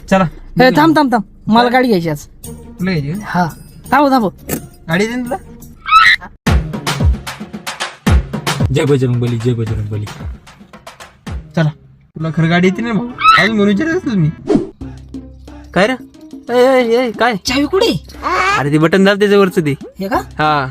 चला ए, थांब थांब थांब, मला गाडी घ्यायची आज. तुला घ्यायची का? हा थांब थांब. गाडी दे ना तुला. जय बजरंग बली, जय बजरंग बली. चला तुला खरं गाडी येते ना भाऊ? अजून म्हणून विचारत असेल मी. काय रे काय चावी कुठे? अरे ते बटन दाब त्याच्यावरच ते. हे का? हा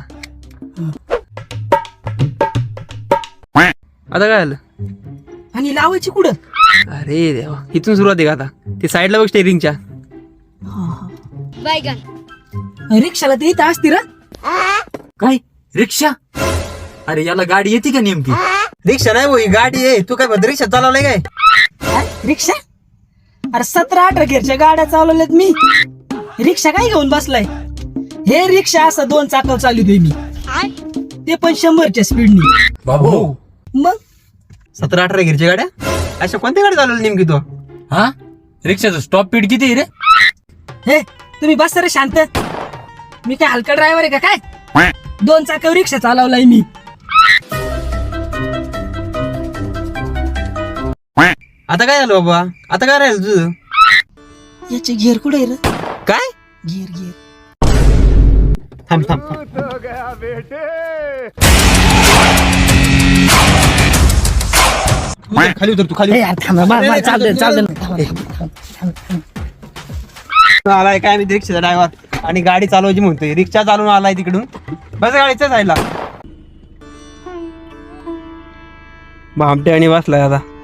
आता काय झालं? आणि लावायची कुठं? अरे देवा, इथून सुरुवात आहे का आता? ते साईडला बघ स्टेरिंगच्या. रिक्षाला ते इथं असती रा. काय रिक्षा? अरे याला गाडी येते का नेमकी? रिक्षा नाही भाई, गाडी आहे. तू काय म्हणतो रिक्षा चालवलाय काय? काय? रिक्षा? अरे 17-18 घेरच्या गाड्या चालवल्यात मी. रिक्षा काय घेऊन बसलाय? हे रिक्षा असं 2 चाकं चालवतोय मी, ते पण 100च्या स्पीडनी. बाबू मग 17-18 गिरच्या गाड्या? अशा कोणत्या गाड्या चालवल्या नेमकी तू? हा, रिक्षाचं स्टॉप स्पीड किती आहे रे? हे तुम्ही बस रे शांत. मी काय हलका ड्रायव्हर आहे का काय? 2 चाकावर रिक्षा चालवलाय मी. आता काय झालं बाबा? आता काय राहिलं तुझं? याचे घेर कुठे आहे रे? काय? घेर घेर. थांब थांब थांब. खाली उतर तू, खाली ए यार थांब, मला चालतंय चालतंय. आलाय काय मी रिक्षाचा ड्रायव्हर आणि गाडी चालवायची म्हणतोय. रिक्षा चालवून आलाय तिकडून. बस गाडीच्या साईडला. भामटे आणि बसलाय आता.